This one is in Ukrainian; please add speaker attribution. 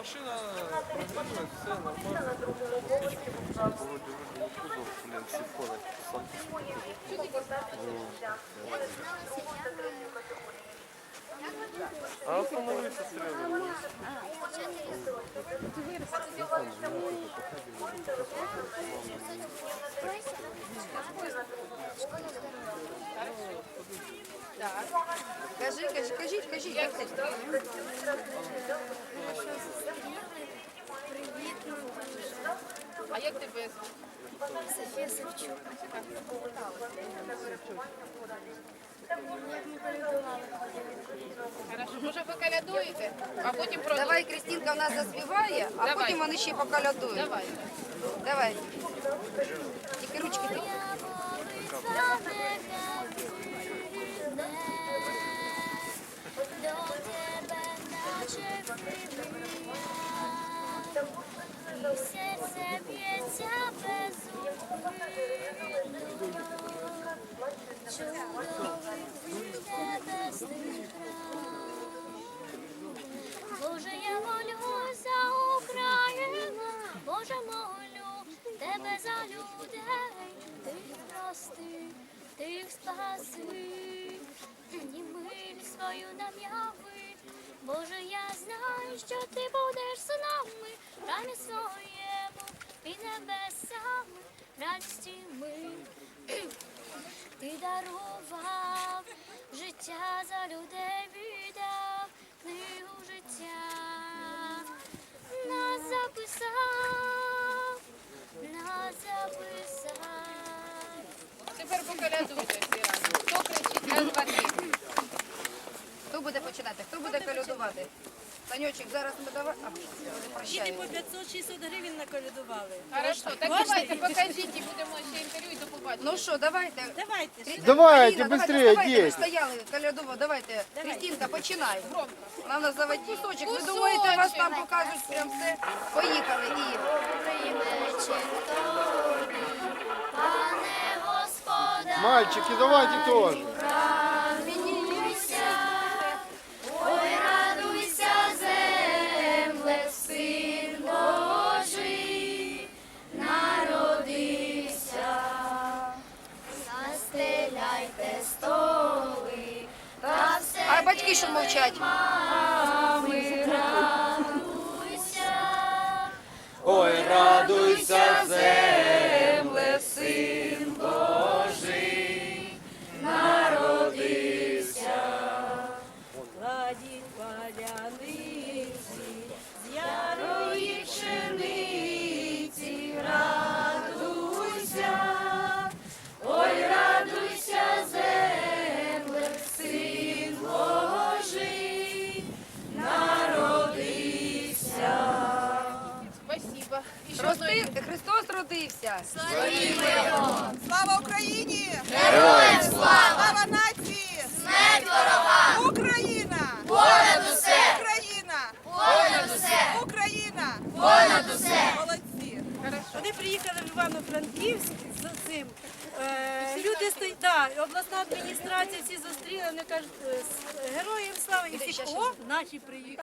Speaker 1: машина прогрілась, все нормально. Володя вроде не кузов, блин, сифона, сам А остановиться сразу.
Speaker 2: Кажіть.
Speaker 3: А як тебе?
Speaker 4: Софія Савчук.
Speaker 3: Хорошо, може ви колядуєте, а потім продовжуємо.
Speaker 2: Давай Крістінка в нас заспіває, а
Speaker 3: Давай.
Speaker 2: потім вони ще поколядують.
Speaker 3: Давай.
Speaker 2: Давай. Тільки ручки ти.
Speaker 4: І серце б'ється безупинно, чудовий небесний край. Боже, я молю за Україну, Боже, молю тебе за людей, тих прости, тих спаси, і миль свою нам яви. Боже, я знаю, що ти будеш з нами, в храмі своєму і небесами, радості ми. Ти дарував життя за людей, віддав книгу життя, нас записав.
Speaker 3: Тепер поколядуйте всі разом. Хто кричить? Раз, два, три.
Speaker 2: Хто буде починати? Хто буде колядувати? Танючик, зараз ми давай. А,
Speaker 5: Діти
Speaker 2: прощаємо.
Speaker 5: по 500-600 гривень наколядували.
Speaker 3: Хорошо, так давайте, покажіть, і будемо ще інтерв'ю і до побачення.
Speaker 2: Ну що, давайте.
Speaker 5: Давайте.
Speaker 6: Давайте,
Speaker 2: Аліна,
Speaker 6: быстрее,
Speaker 2: давайте, ви
Speaker 6: дети.
Speaker 2: стояли, колядував, давайте. Крістінка, починай.
Speaker 3: Громко.
Speaker 2: Вона в нас заводить кусочок. Ви
Speaker 3: Кусочок.
Speaker 2: думаєте, вас там покажуть прям все? Поїхали. І
Speaker 4: Пане Господа,
Speaker 6: Мальчики, давайте тоже.
Speaker 4: радуйся, ой, радуйся, земле, Син Божий народився. Застеляйте столи, та все
Speaker 2: а батьки що мовчать?
Speaker 4: мами радуйся.
Speaker 1: Ой, радуйся, земле, Син Божий народився.
Speaker 5: Ладі паляниці, з ярої пшениці,
Speaker 4: Радуйся, ой, радуйся, земле, Син Божий народився.
Speaker 3: Спасибо. І що одної?
Speaker 2: Христос родився.
Speaker 7: Слава Україні!
Speaker 4: Героям слава!
Speaker 7: Слава нації!
Speaker 4: Смерть ворогам!
Speaker 7: Україна!
Speaker 4: Понад усе!
Speaker 7: Україна!
Speaker 4: Понад усе!
Speaker 7: Україна!
Speaker 4: Понад усе!
Speaker 7: Молодці!
Speaker 5: Вони приїхали в Івано-Франківськ з цим. Люди стоять, да, обласна адміністрація всі зустріли, вони кажуть, героям слава, і всі, о, наші приїхали.